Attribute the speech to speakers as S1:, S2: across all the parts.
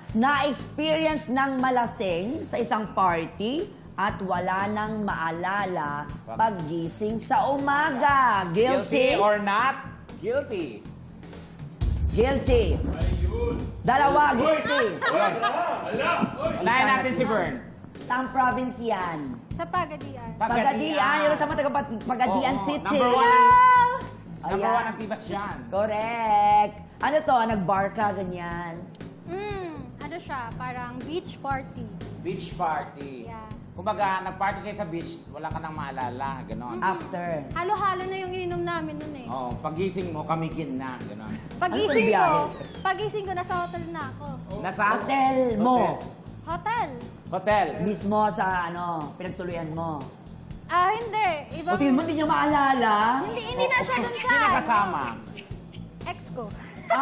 S1: Na-experience ng malasing sa isang party at wala nang maalala paggising sa umaga. Guilty?
S2: Guilty or not guilty?
S1: Guilty. Dalawa, guilty.
S2: Unahin natin si Bern.
S1: Saan province yan?
S3: Sa Pagadian.
S1: Pagadian. Yung sa mga taga Pagadian
S2: Oo,
S1: City.
S2: number one. Number
S1: Ayan.
S2: one ang tibas yan.
S1: Correct. Ano to? Nag-bar ka, ganyan.
S3: Ano siya? Parang beach party.
S2: Beach party.
S3: Yeah.
S2: Kumbaga, nag-party kayo sa beach, wala ka nang maalala, gano'n.
S1: After.
S3: Halo-halo na yung ininom namin nun eh.
S2: Oo, pagising mo, kamigin na, gano'n.
S3: Pagising
S1: Ano
S3: ko, pagising ko, nasa hotel na ako.
S2: Nasa?
S1: Hotel mo.
S3: Hotel?
S2: Hotel.
S1: Mismo sa pinagtuluyan mo.
S3: Hindi. Ibang...
S1: O tingin mo, hindi niya maalala?
S3: Hindi na siya dun sa...
S2: Sino kasama?
S3: Ex ko.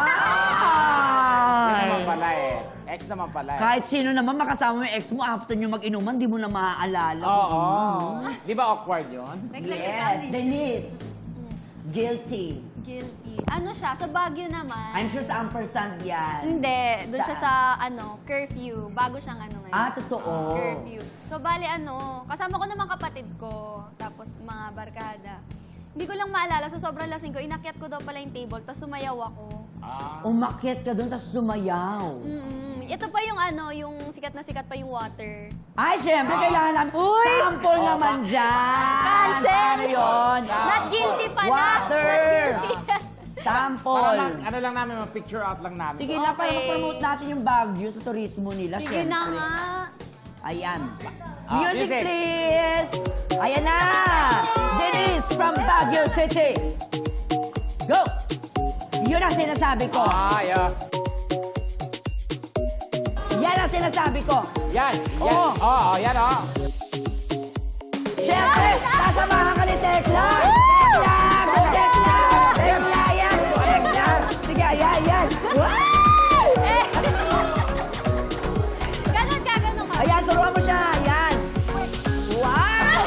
S2: Yun naman
S1: Ay!
S2: pala eh. Ex naman pala eh.
S1: Kahit sino naman makasama mo yung ex mo, after nyo mag-inuman, di mo na maaalala.
S2: Oo. Di ba awkward yun?
S1: Yes, Denise. Guilty.
S4: Guilty. Ano siya? Sa Baguio naman.
S1: I'm sure sa ampersand yan.
S4: Hindi. Doon siya
S1: Saan?
S4: sa, curfew. Bago siyang ngayon.
S1: Totoo.
S4: Curfew. So, bali kasama ko naman kapatid ko. Tapos mga barkada. Hindi ko lang maalala, sa sobrang lasing ko, inakyat ko daw pala yung table, tapos sumayaw ako.
S1: Umakyat ka doon, tapos sumayaw.
S4: Ito pa yung yung sikat na sikat pa yung water.
S1: Ay, syempre, kailangan namin. Sample naman dyan.
S4: Cancel!
S1: Paano yun?
S4: Not guilty pala.
S1: Water!
S4: Not guilty.
S1: Sample.
S2: Ano lang namin, picture out lang namin.
S1: Sige na, para
S4: Okay.
S1: ma-promote natin yung Baguio sa turismo nila,
S4: Sige
S1: syempre.
S4: na nga.
S1: Ayan.
S2: Music.
S1: Music, please! Ayan na! Denise from Baguio City. Go! Yun ang sinasabi ko.
S2: Yeah.
S1: Yan ang sinasabi ko.
S2: Yan.
S1: Oo.
S2: Oo, yan oh.
S1: Siyempre, sasamahan ka ni Tekla! Tekla! Tekla! Tekla! Yan! Tekla! Sige, ayan, yan!
S4: Ganon ka.
S1: Ayan, turuan mo siya! Ayan! Wow!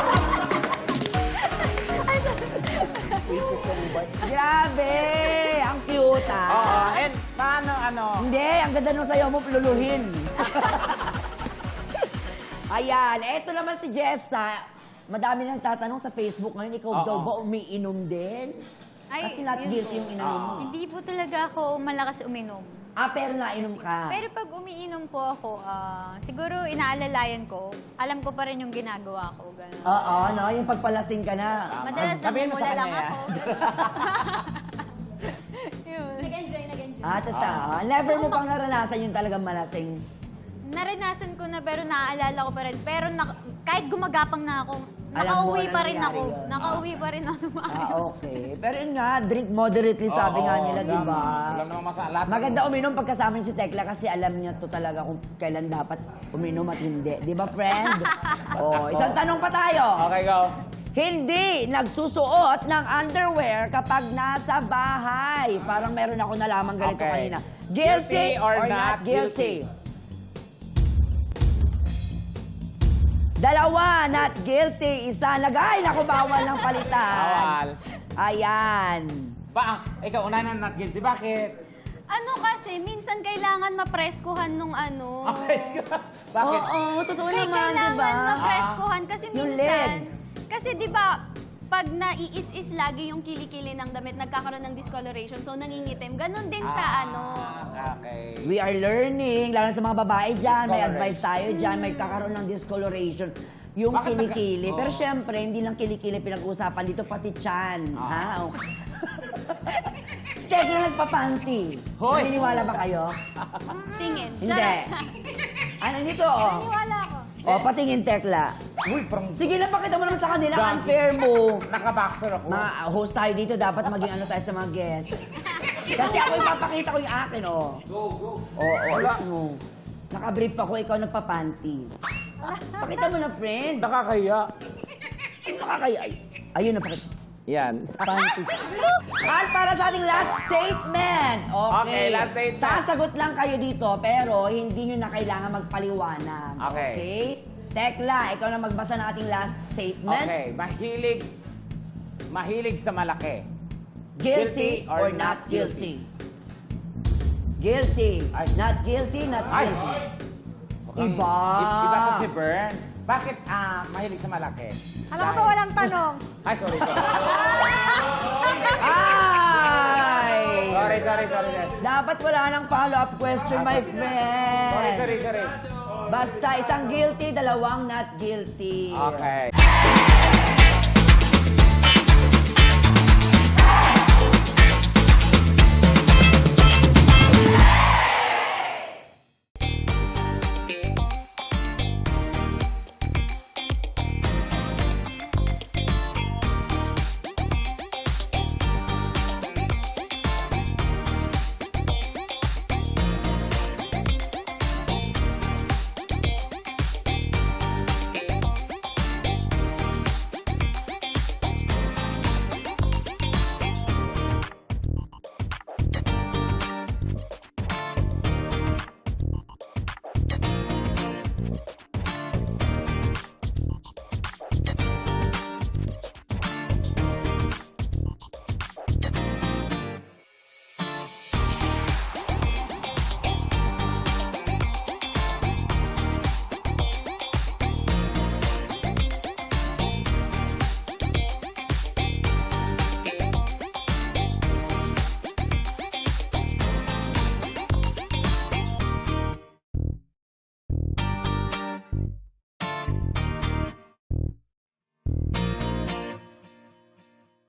S1: Grabe! Ang cute,
S2: Oo, and paano,
S1: Hindi, ang ganda nung sayo mo, luluhin. Ayan, eto naman si Jessa. Madami nang tatanong sa Facebook ngayon, ikaw daw ba umiinom din?
S4: Ay,
S1: Kasi not
S4: yun
S1: guilty
S4: po.
S1: yung inom mo.
S4: Hindi po talaga ako malakas uminom.
S1: Pero nainom ka.
S4: Pero pag umiinom po ako, siguro inaalalayan ko, alam ko pa rin yung ginagawa ko. Ganun.
S1: Oo, no? Yung pagpalasing ka na.
S4: Madalas
S2: Sabihin mo sa
S4: namumula lang
S2: kanya
S4: ako. Yun. Nag-enjoy.
S1: Totoo. Never mo pang naranasan yung talagang malasing.
S4: Naranasan ko na pero naaalala ko pa rin. Pero kahit gumagapang na ako,
S1: Alam mo
S4: nakauwi
S1: na
S4: pa rin
S1: nangyari
S4: ako.
S1: yun.
S4: Nakauwi pa rin ako.
S1: Okay. Pero yun nga, drink moderately, sabi nga nila, di ba?
S2: Wala namang masala.
S1: Maganda uminom pagkasama niya si Tekla kasi alam niya to talaga kung kailan dapat uminom at hindi. Di ba, friend? Isang tanong pa tayo.
S2: Okay, go.
S1: Hindi nagsusuot ng underwear kapag nasa bahay. Parang meron ako nalaman ganito
S2: Okay.
S1: kanina. Guilty or not guilty? Dalawa, not guilty. Isa, lagay. Naku, bawal ng palitan.
S2: Bawal.
S1: Ayan.
S2: Ikaw, una na not guilty. Bakit?
S4: Ano kasi, minsan kailangan mapreskuhan nung
S2: Bakit?
S1: Oo, totoo
S4: Kaya
S1: naman, di
S4: kailangan
S1: ba?
S4: mapreskuhan kasi
S1: Yung
S4: minsan.
S1: legs.
S4: Kasi di ba, pag naiis-is lagi yung kilikili ng damit, nagkakaroon ng discoloration, so nangingitim. Ganon din sa
S2: Okay.
S1: We are learning, lalo na sa mga babae dyan, may
S2: Discoloration.
S1: advice tayo dyan, may kakaroon ng discoloration. Yung
S2: Bakit
S1: kilikili.
S2: Oo.
S1: Pero syempre, hindi lang kilikili pinag-uusapan dito, pati tiyan. Ha? Okay. Teka, nagpapanty.
S2: Hoy!
S1: Naniniwala ba kayo?
S4: tingin.
S1: Hindi.
S4: Charot.
S1: Ano nito, oh?
S3: Wala ako.
S1: Patingin, Tekla.
S2: Uy, parang
S1: Sige lang, pakita mo naman sa kanila,
S2: Dami.
S1: unfair mo.
S2: nakaboxer ako.
S1: Mga host tayo dito, dapat maging ano tayo sa mga guests. Kasi ako ipapakita ko yung akin, oh.
S2: Go.
S1: Oo, mo. Nakabrief ako, ikaw nagpapanty. Pakita mo na, friend.
S2: Nakakaya.
S1: Nakakaya. Ayun na, pakita.
S2: Yan.
S1: Panty. At para sa ating last statement.
S2: Okay, last statement.
S1: Sasagot lang kayo dito, pero hindi nyo na kailangan magpaliwanag.
S2: Okay.
S1: Tekla, ikaw na magbasa ng ating last statement.
S2: Okay, mahilig sa malaki.
S1: Guilty or not guilty? Guilty.
S2: Ay.
S1: Not guilty, not
S2: Ay!
S1: guilty.
S2: Mukhang
S1: Iba.
S2: Iba to si Bern. Bakit mahilig sa malaki?
S3: Alam ko ba walang tanong?
S2: Ay, sorry.
S1: Ay!
S2: Sorry.
S1: Dapat wala nang follow-up question, my friend.
S2: Sorry.
S1: Basta isang guilty, dalawang not guilty.
S2: Okay.